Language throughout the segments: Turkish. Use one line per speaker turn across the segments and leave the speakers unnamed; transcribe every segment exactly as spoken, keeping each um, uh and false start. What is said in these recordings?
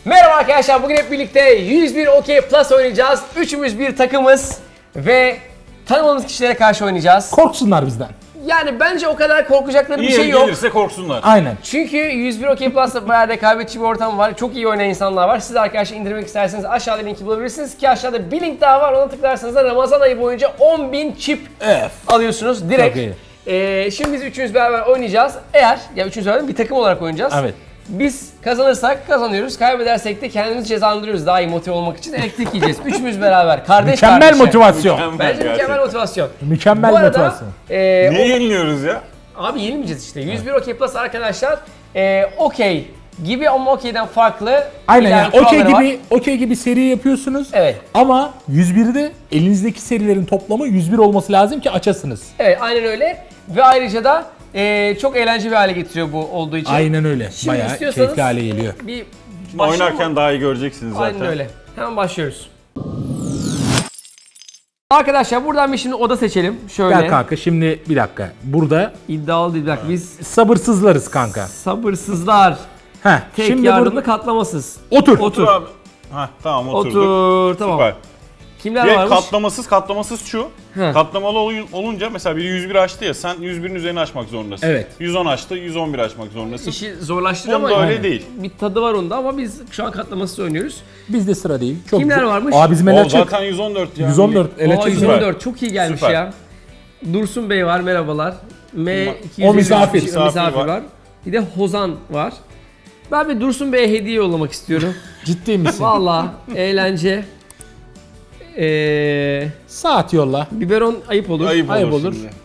Merhaba arkadaşlar, bugün hep birlikte yüz bir Okey Plus oynayacağız. Üçümüz bir takımız ve tanımadığımız kişilere karşı oynayacağız.
Korksunlar bizden.
Yani bence o kadar korkacakları bir
İyi
şey yok.
gelirse korksunlar.
Aynen.
Çünkü yüz bir Okey Plus'ta bayağı rekabetçi bir ortam var. Çok iyi oynayan insanlar var. Siz arkadaşlar indirmek isterseniz aşağıda linki bulabilirsiniz ki aşağıda bir link daha var. Ona tıklarsanız da Ramazan ayı boyunca on bin çip
Evet.
alıyorsunuz direkt.
Çok iyi.
Ee, şimdi biz üçümüz beraber oynayacağız. Eğer, ya üçümüz beraber bir takım olarak oynayacağız.
Evet.
Biz kazanırsak kazanıyoruz, kaybedersek de kendimizi cezalandırıyoruz daha iyi motive olmak için. Elektrik yiyeceğiz. Üçümüz beraber, kardeş
Mükemmel
kardeşe.
motivasyon.
Mükemmel
Bence
gerçekten.
mükemmel motivasyon.
Mükemmel
Bu arada,
motivasyon.
e,
Niye yeniliyoruz ya?
o- abi yenilmeyeceğiz işte. yüz bir Okey Plus arkadaşlar, e, okey gibi ama okeyden farklı.
Aynen
ileride
yani okey
kuralları var.
gibi okey gibi seri yapıyorsunuz.
Evet.
Ama yüz birde elinizdeki serilerin toplamı yüz bir olması lazım ki açasınız.
Evet, aynen öyle. Ve ayrıca da e, çok eğlenceli bir hale getiriyor bu olduğu için.
Aynen öyle.
Şimdi
Bayağı
istiyorsanız
keyifli hale geliyor.
Bir
Şimdi
başlayalım
oynarken
mı?
daha iyi göreceksiniz zaten.
Aynen öyle. Hemen başlıyoruz. Arkadaşlar buradan bir şimdi oda seçelim. Şöyle.
Gel kanka şimdi bir dakika. Burada
İddialı değil. Bir dakika, biz
sabırsızlarız kanka.
sabırsızlar.
Heh,
Tek
şimdi
yardımlı
burada
katlamasız.
otur.
Otur.
Dur abi. Heh, tamam oturduk.
Otur. Tamam.
Süper.
Kimler
Direkt
varmış?
katlamasız katlamasız şu.
He.
Katlamalı ol- olunca mesela biri yüz bir açtı ya sen yüz birin üzerine açmak zorundasın.
Evet.
yüz on açtı yüz on bir açmak zorundasın.
İşi zorlaştırıyor
Bunda
ama
öyle değil.
bir tadı var onda ama biz şu an katlamasız oynuyoruz.
Bizde sıra değil. Çok
Kimler
güzel.
varmış?
Aa bizim
O
ele çık.
zaten yüz on dört ya.
yüz on dört ele
Aa,
çık.
yüz on dört çok iyi gelmiş
Süper.
ya. Dursun Bey var, merhabalar. M iki yüz elli
O misafir.
kişi- o misafir
Misafir
var.
var.
Bir de Hozan var. Ben bir Dursun Bey'e hediye yollamak istiyorum.
Ciddi misin?
Vallahi eğlence. Ee,
Saat yolla.
biberon ayıp olur.
Ayıp,
Ayıp
olur.
olur.
Şimdi.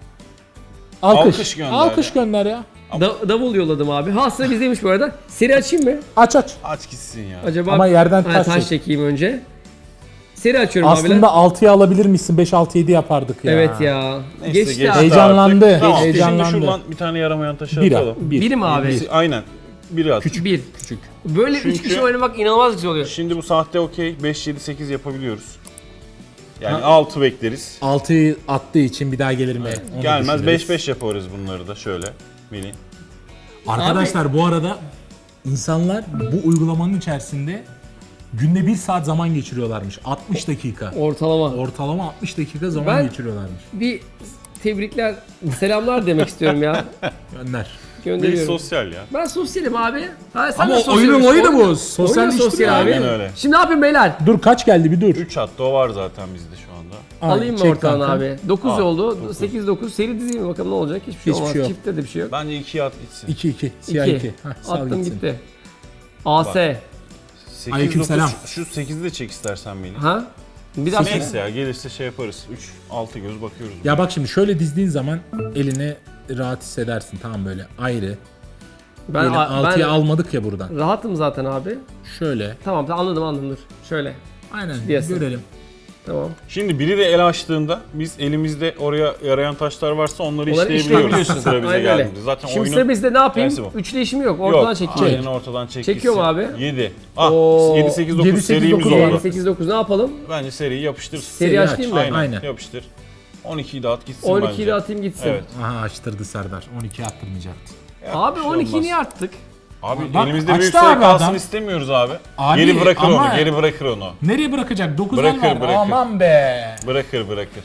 Alkış.
Alkış gönder
Alkış
ya.
gönder ya.
Da- davul yolladım abi. Ha, sıra bizdeymiş bu arada. Seri açayım mı?
Aç aç.
Aç gitsin ya.
Acaba
Ama yerden
Ha,
taş
taş
çek.
çekeyim önce. Seri açıyorum abiler.
Aslında altıya alabilir misin? beş altı yedi yapardık ya.
Evet ya.
Neyse,
Geçti
geçti
abi.
Heyecanlandı.
artık. Tamam,
Heyecanlandı.
Şimdi şuradan bir tane yaramayan taşı
Bir,
atalım.
bir.
Biri mi abi?
Birisi- Aynen. Biri at.
Küçük. Bir.
Küçük.
Böyle üç
Çünkü-
kişi oynamak inanılmaz güzel oluyor.
Şimdi bu sahte okey beş yedi sekiz yapabiliyoruz. Yani altı bekleriz.
altıyı attığı için bir daha gelir mi? Onu
Gelmez
düşünürüz.
beş beş yaparız bunları da şöyle. Bilin.
Arkadaşlar bu arada insanlar bu uygulamanın içerisinde günde bir saat zaman geçiriyorlarmış. altmış dakika.
Ortalama.
Ortalama altmış dakika zaman
Ben-
geçiriyorlarmış.
Bir tebrikler, selamlar demek istiyorum ya.
Gönder.
Bir
Gönderiyorum.
sosyal ya.
Ben sosyalim abi. Ha, sen
Ama
de sosyal
oyunun
misin?
oyunu bu.
Oyun da
Sosyalleştim
sosyal
ya.
abi.
Aynen öyle.
Şimdi ne yapayım beyler?
Dur kaç geldi bir dur.
üç attı o var zaten bizde şu anda.
Aynen,
Alayım mı
çek
ortalama
kanka.
abi? dokuz
Al,
oldu.
dokuz.
sekiz dokuz. Seri dizeyim mi bakalım ne olacak? Hiçbir şey
Hiçbir
olmaz.
şey yok.
Çiftte de bir şey yok.
Bence ikiye at gitsin.
iki iki. Siyah
iki.
iki. Heh, sal
Attım
gitsin.
gitti. A S.
sekiz,
Aleykümselam.
dokuz, Şu sekizi de çek istersen beni.
Ha? Bir daha
Neyse ya gelirse şey yaparız. üç altı göz bakıyoruz.
Ya bak şimdi şöyle dizdiğin zaman elini rahat hissedersin tamam böyle ayrı.
Ben,
Böyle
ben
altıya almadık ya buradan.
rahatım zaten abi.
Şöyle.
Tamam tamam, anladım anladım dur. Şöyle.
Aynen
Diyesin.
görelim.
Tamam.
Şimdi biri de el açtığında biz elimizde oraya yarayan taşlar varsa onları,
Onları
işleyebiliyoruz.
işleyebiliyorsun.
Sıra bize
Aynen öyle.
geldiğinde. Zaten
Şimdi
oyunun
sıra bizde ne yapayım?
tersi bu.
Üçlü işim yok. Ortadan
Yok,
çekeceğim.
aynen ortadan çek.
Çekiyor mu abi?
yedi. Ah
Oo,
yedi sekiz
yedi,
dokuz
sekiz,
serimiz
dokuz
oldu.
yedi sekiz dokuz ne yapalım?
Bence seriyi yapıştır.
Seri
Seri
açayım mı?
aç.
Aynen,
Aynen.
yapıştır. on ikiyi de at gitsin
on
bence.
ikiyi de atayım gitsin.
Evet.
Aha açtırdı Serdar. on iki attırmayacaktı.
Ya,
Abi
bir şey
on ikiyi
olmaz.
niye arttık?
Abi
Bak,
elimizde
açtı
büyük sayı
abi
kalsın
adam.
istemiyoruz abi.
Abi,
geri bırakır
ama-
onu, geri bırakır onu.
Nereye bırakacak? dokuz
Bırakır,
var.
bırakır.
Aman be.
Bırakır, bırakır.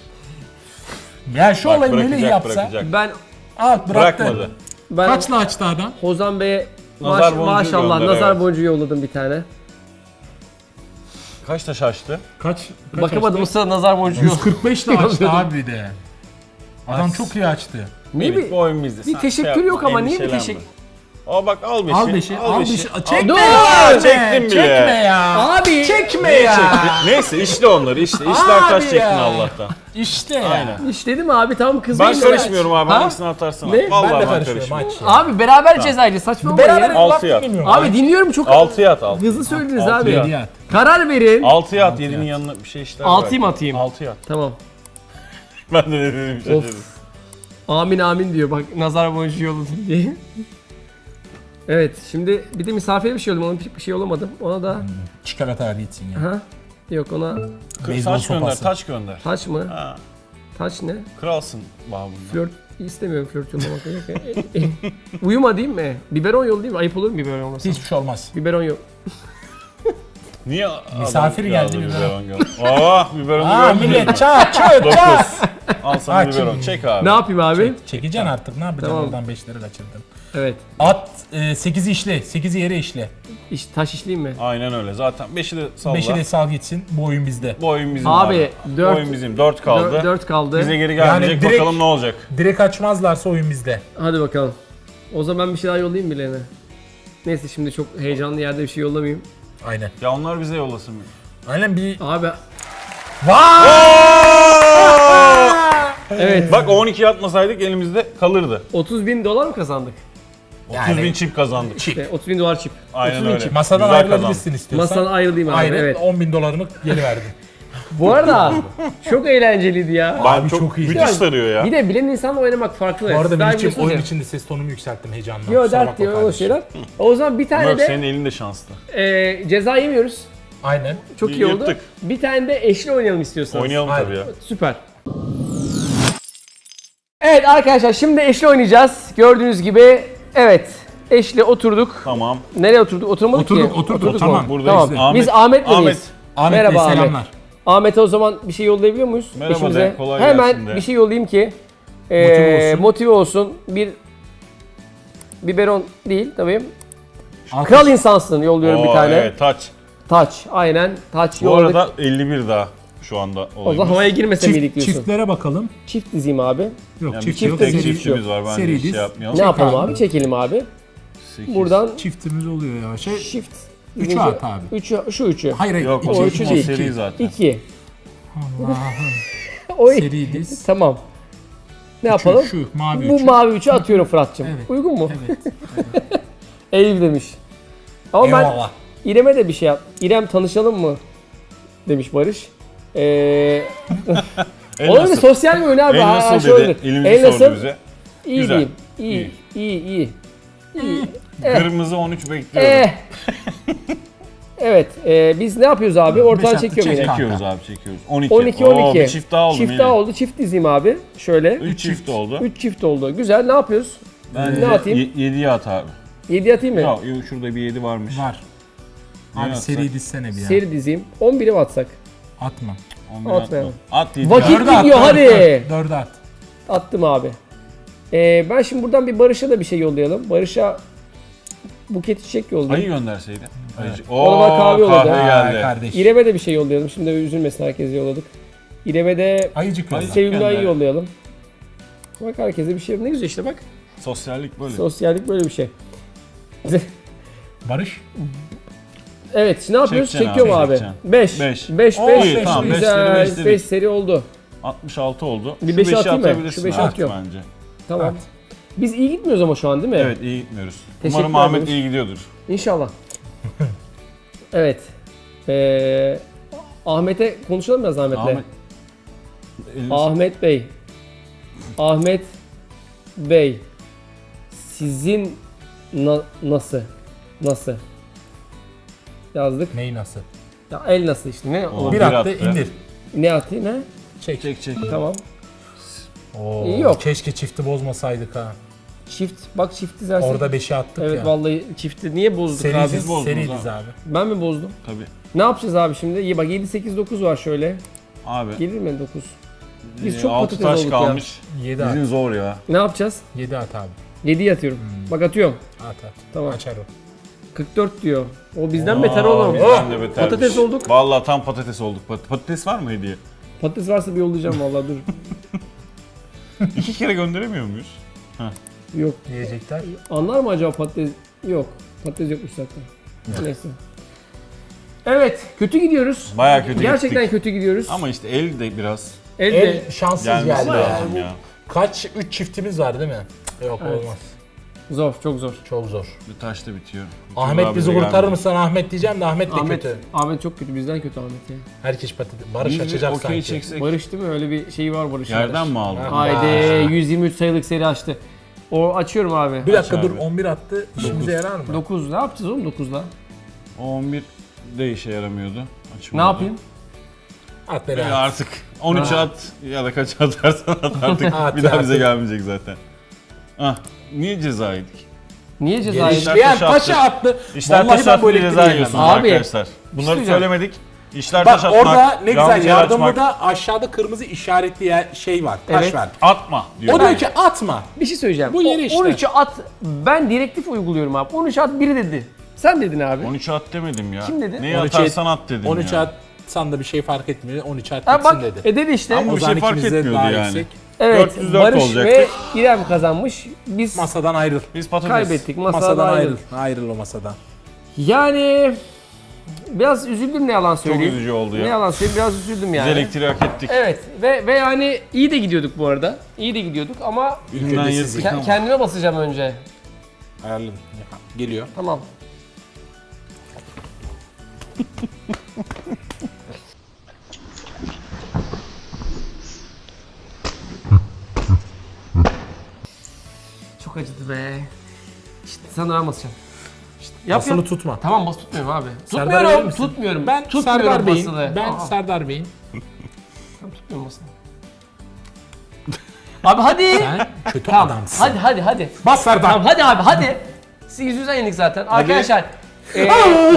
Ya şu
Bak,
olayı Melih
bırakacak,
yapsa.
bırakacak.
Ben
Al bıraktı.
Bırakmadı.
ben
Kaçla açtı adam?
Hozan Bey'e
Nazar
maş-
boncuğu
maşallah
gönder,
nazar
evet.
boncuğu yolladım bir tane.
Kaç taş açtı?
Kaç? kaç
Bakamadım o
açtı?
sırada nazar boncuğu.
yüz kırk beş ile açtı
Yolladım.
abi bir de. Adam çok iyi açtı.
Niye
Melih,
bir,
bu oyun bizde.
bir
Sen
teşekkür
şey
yok
yapma,
ama niye bir
endişelenme.
teşekkür?
Aa bak al beşi.
Al beşi, al beşi. Çekme
Dur!
ya!
Çektim bile.
Çekme ya!
Abi!
Çekme
Neye
ya!
çekti? Neyse işle onları işte. İşler
Abi
taş çektin
ya.
Allah'tan.
İşte ya.
Aynen.
İşledim abi, tamam kızmayın.
Ben
da-
karışmıyorum abi.
Ha?
Hangisini atarsın?
Ne?
Vallahi
Ben de
ben
karışmıyorum
karışmıyorum.
aç ya.
Abi beraber cezacı, saçma
Beraber
ya.
Altı
laf
yat.
dinlemiyorum.
Abi dinliyorum çok.
altıya at altı.
Hızlı söylediniz
Altı
abi.
yat.
Hediye at.
Karar verin.
altıya at. yedinin yanına bir şey işler.
Altıyı mı
bırak.
atayım?
altıya at.
Tamam.
Ben de ne dedim şaşırdım.
Of. Amin amin diyor bak, nazar boncuğu yolladım diye. Evet, şimdi bir de misafire bir şey yolladım, ona bir şey yollamadım. Ona da
Çikolata hadi gitsin ya.
ha yok, ona
Beyzbol
Taç gönder,
sopası.
taç gönder.
taç mı?
Ha,
Taç ne?
kralsın babında.
Flört istemiyorum, flört yollamak. Uyuma değil mi? Biberon yol değil mi? Ayıp olur mu biberon olmasa?
Hiçbir şey olmaz.
Biberon yok.
Niye
Misafir
adam
geldi,
yazdı
biberon.
biberon geldi? Aa biberonu
Aa
görmedin mi?
millet çat çat çat.
dokuz. Al sana
Aç.
biberon. Çek abi.
Ne yapayım abi?
Çekeceksin artık ne yapacaksın
Tamam.
oradan beşleri kaçırdın.
Evet.
At e, sekizi işle, sekizi yere işle.
İş, taş işleyeyim mi?
Aynen öyle. Zaten beşi de salla.
beşi de sal gitsin, bu oyun bizde.
Bu oyun bizim
Abi,
abi.
dört-
Bu oyun bizim. dört kaldı.
dört kaldı.
Bize geri gelmeyecek.
Yani direkt-
Bakalım ne olacak.
Direkt açmazlarsa oyun bizde.
Hadi bakalım. O zaman ben bir şey daha yollayayım birilerine. Neyse şimdi çok heyecanlı yerde bir şey yollamayayım.
Aynen.
Ya onlar bize yollasın.
Aynen bir...
Abi
Vay!
evet.
Bak on iki atmasaydık elimizde kalırdı.
otuz bin dolar mı kazandık?
otuz bin çip kazandık.
İşte otuz bin dolar çip.
Aynen
otuz bin
öyle.
çip.
Masadan
Güzel
ayrılabilirsin istiyorsan.
Masadan ayrılayım abi.
Aynen
Evet.
on bin dolarımı geri verdim.
Bu arada çok eğlenceliydi ya.
Ben
Abi
çok,
çok iyi.
müthiş sarıyor ya.
Bir de bilen insanla oynamak farklı.
Bu arada
Siz daha
benim için
biliyorsunuz
oyun
ya.
içinde ses tonumu yükselttim heyecandan.
Yo
Kusura
dert
bakma
diyor o
kardeşim.
şeyler. O zaman bir tane
Yok
de
senin elin de şanslı.
e, ceza yemiyoruz.
Aynen.
Çok
Y-
iyi oldu.
yırttık.
Bir tane de eşli oynayalım istiyorsanız.
Oynayalım
Aynen.
tabii ya.
Süper. Evet arkadaşlar şimdi eşli oynayacağız. Gördüğünüz gibi evet eşli oturduk.
Tamam.
Nereye oturduk? Oturmadık
Oturduk,
ki.
oturduk,
mu?
tamam.
Buradayız.
Tamam.
Ahmet-
Biz Ahmet'le
Ahmet.
miyiz?
Ahmet
Merhaba
Bey
Ahmet.
selamlar.
Ahmet'e o zaman bir şey yollayabiliyor muyuz?
Merhaba
eşimize?
de, kolay
Hemen
gelsin de.
bir şey yollayayım ki e,
Motive olsun.
motive olsun. Bir biberon değil tabii.
Alkış.
Kral insansın yolluyorum
Oo,
bir tane.
Evet taç.
Taç aynen. Taç
Bu
yolladık.
arada elli bir daha şu anda
O zaman
olayımız.
havaya girmese miydik
Çift,
diyorsun.
çiftlere bakalım.
Çift dizeyim abi.
Yok
Yani
çift
bir
yok.
çift de
tek
seri-
çiftçimiz var bence
Seri
hiç şey
diz.
yapmayalım.
Ne yapalım
abi.
abi? Çekelim abi.
Sekiz.
Buradan
Çiftimiz oluyor ya. Şey,
shift.
Üçü at abi.
Üçü, şu üçü.
hayır hayır.
Yok
O
o,
üçü
o
değil.
seri zaten.
İki.
Allah'ım.
Oy.
Seri diz.
Tamam. Ne yapalım?
Şu, şu mavi
Bu
üçü.
mavi üçü atıyorum Fırat'cığım.
Evet.
Uygun mu?
Evet.
Eyüp demiş. Ama
Eyvallah.
ben İrem'e de bir şey yap. İrem tanışalım mı? Demiş Barış. Ee,
El
olabilir
nasıl?
sosyal mi oyun abi?
El
Ha,
nasıl
şey
dedi.
olur.
Elimizi
El
sordu
nasıl?
bize.
İyi
Güzel.
diyeyim. İyi. İyi iyi. İyi. Eh.
Kırmızı on üç bekliyorum.
Eh. Evet. e, biz ne yapıyoruz abi? Ortadan
Beş attı,
çekiyorum
çek.
yine.
Çekiyoruz abi çekiyoruz. on iki.
on iki
Oo,
on iki.
bir çift daha oldu.
Çift
Melih.
daha oldu. Çift dizeyim abi. Şöyle.
Üç çift oldu.
üç çift oldu. Güzel. Ne yapıyoruz?
Bence
Ne atayım?
yediye at abi.
yedi atayım mı?
Ya yok, şurada bir yedi varmış.
Var.
Ne
Abi
atsak?
seri dizsene bir ya.
Seri dizeyim. on biri mi atsak?
Atma.
on bir
Atmayalım.
atma. At yedi.
Vakit
at.
Dörde at,
gidiyor,
dört,
hadi.
dört, Dörde at.
Attım abi. Ee, ben şimdi buradan bir Barış'a da bir şey yollayalım. Barış'a buket çiçek
Ayı
yollayayım.
gönderseydi. Ayıcık.
Ona bak
Oo
kahve yolladı.
kahve
Vay
geldi.
kardeş.
İrem'e de bir şey yollayalım. Şimdi üzülmesin, herkese yolladık. İrem'e de
Ayıcık yolla.
Ayı-
sevimli ayı
gönder.
yollayalım. Bak herkese bir şey. Ne güzel işte bak.
Sosyallik böyle.
Sosyallik böyle bir şey.
Barış.
Evet, şimdi ne yapıyoruz?
Çekeceksin
Çekiyorum
abi,
abi.
çekeceksin.
beş.
Beş.
beş,
Oo,
beş.
iyi,
tamam, beş
Güzel.
seri, beş dedik.
beş seri oldu.
altmış altı oldu.
Bir
Şu
beşi
beşi
atayım mı?
atabilirsin
Şu beşi
abi
atıyorum.
bence.
Tamam.
At.
Biz iyi gitmiyoruz ama şu an değil mi?
Evet iyi gitmiyoruz.
Teşekkür
Umarım Ahmet
ederiz.
iyi gidiyordur.
İnşallah. Evet. Ee, Ahmet'e konuşalım biraz Ahmet'le.
Ahmet. Elini-
Ahmet Bey. Ahmet Bey. Sizin na- nasıl? Nasıl? Yazdık.
Neyi nasıl?
Ya el nasıl işte? Ne
Oo.
olabilir?
Bir
bir
attı,
attı.
indir.
Ne atayım ne?
Çek.
Çek çek.
Tamam.
Oo,
İyi, yok.
Keşke çifti bozmasaydık ha.
Çift. Bak çift dizersin.
Orada beşi attık
Evet
ya.
vallahi çifti niye bozduk
Seri
abi?
diz,
bozdunuz
seri
abi.
diz abi.
Ben mi bozdum?
Tabii.
Ne yapacağız abi şimdi? İyi bak yedi sekiz dokuz var şöyle.
Abi.
Gelir mi dokuz? Biz
e,
çok
altı
patates
taş
olduk
kalmış.
yedi at.
Bizim zor ya.
Ne yapacağız?
yedi at abi.
yediyi atıyorum. Bak atıyorum.
At at.
Tamam.
Açar o.
kırk dört diyor. O bizden beter oğlum.
Bizden de betermiş.
Patates olduk.
Vallahi tam patates olduk. Pat- Patates var mı hediye?
Patates varsa bir yollayacağım vallahi dur.
İki kere gönderemiyor muyuz?
Yok.
Diyecekler.
Anlar mı acaba patates? Yok. Patates yokmuş zaten. Neyse. Evet, kötü gidiyoruz.
Bayağı kötü
Gerçekten
gittik.
kötü gidiyoruz.
Ama işte el de biraz
Elde
El şanssız
gelmesi
geldi ya.
lazım ya.
Kaç? üç çiftimiz var değil mi? Yok
Evet.
olmaz.
zor, çok zor.
Çok zor.
Bir taş da bitiyor.
Ahmet
Abi
bizi
de
kurtarır
gelmedi.
mısın Ahmet diyeceğim de Ahmet de
Ahmet,
kötü.
Ahmet çok kötü. Bizden kötü Ahmet ya.
Herkes patates. Barış
Biz bir
açacak
okey
sanki.
çeksek.
Barış değil mi? Öyle bir şey var Barış'ın.
Yerden mi aldın?
Ha.
Haydi yüz yirmi üç sayılık seri açtı. O açıyorum abi.
Bir dakika
Aç
dur
abi.
on bir attı. İşimize yarar mı?
dokuz. Ne yapacağız oğlum dokuzla?
O on bir de işe yaramıyordu.
Ne
Açmadı.
yapayım?
At beni
Ya
at.
artık on üç
Ha.
at ya da kaç atarsan at artık
At,
bir daha
at.
bize gelmeyecek zaten. Ah niye ceza yedik?
Niye ceza
Geliş-
yedin?
İşler
İşleyen
taşı
taşı attı.
İşler
Vallahi
taş
ben
attı
böyle
diye ceza
etkileyemedim.
yiyorsunuz
Abi,
arkadaşlar. Bunları
söyleyeceğim.
söylemedik. İşler
Bak
taş atmak,
orada ne güzel
yanlış yere
yardımda
açmak,
da aşağıda kırmızı işaretli yer- şey var. Taş
Evet.
var.
atma diyor.
O diyor ki atma.
Bir şey söyleyeceğim.
Bu yeri
O-
işte.
on üçü at. Ben direktif uyguluyorum abi. on üç at biri dedi. Sen dedin abi.
on üç at demedim ya.
Kim dedi?
Neyi
on üçe
atarsan at dedim
on üç
ya.
atsan da bir şey fark etmiyor. on üç at
Ha
gitsin
bak
dedi.
e dedi işte.
Ama
O
bir
zaman
şey fark
ikimiz de
etmiyordu
daha
yani.
yüksek.
Evet.
dört yüz dört
Barış
olacaktı.
ve İrem kazanmış. Biz
Masadan ayrıl.
Biz patates.
kaybettik. Masadan,
Masadan
ayrıl.
ayrıl. Ayrıl o masadan.
Yani biraz üzüldüm ne yalan söyleyeyim.
üzücü oldu ya.
Ne yalan söyleyeyim biraz üzüldüm
Biz
yani.
elektriği hak ettik.
Evet ve ve yani iyi de gidiyorduk bu arada. İyi de gidiyorduk ama
İlk
Üründen
önce
yırtık.
sizi
ke- kendime basacağım önce.
ayarladım. Geliyor.
Tamam. Çok acıdı be. İşte sana da ben basacağım. İşte yap
Basılı
yap.
tutma.
Tamam bas tutmuyorum abi.
Serdar verir
Tutmuyorum,
misin?
tutmuyorum.
Ben
tutmuyorum
Serdar Bey'in.
basılı.
Ben
Aa,
Serdar Bey'in.
ben tutmuyorum basılı. Abi hadi.
Sen kötü
Tamam.
adamsın.
Hadi hadi hadi.
Bas Serdar.
Tamam hadi abi hadi. Siz yüzünüzden yendik zaten. Arkadaşlar. eee,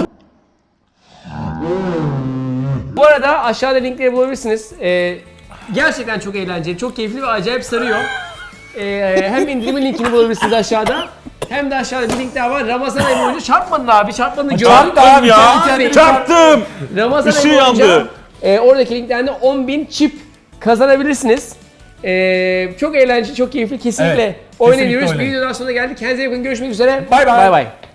bu arada aşağıda linkleri bulabilirsiniz. Eee, gerçekten çok eğlenceli, çok keyifli ve acayip sarıyor. Eee, hem indirimin linkini bulabilirsiniz aşağıda. Hem de aşağıda bir link daha var. Ramazan ayı boyunca çarpmadın abi. Çarpmadın. Gördüm.
Çarptım ya.
Tabii.
Çarptım.
Ramazan
Işığı
ayı boyunca
yandı.
e, oradaki linklerden on bin çip kazanabilirsiniz. E, çok eğlenceli, çok keyifli. Kesinlikle
Evet,
oynayabiliyoruz.
kesinlikle
Bir
oynayın.
videodan sonra geldik. Kendinize iyi bakın. Görüşmek üzere.
Bay bay.
Bay bay.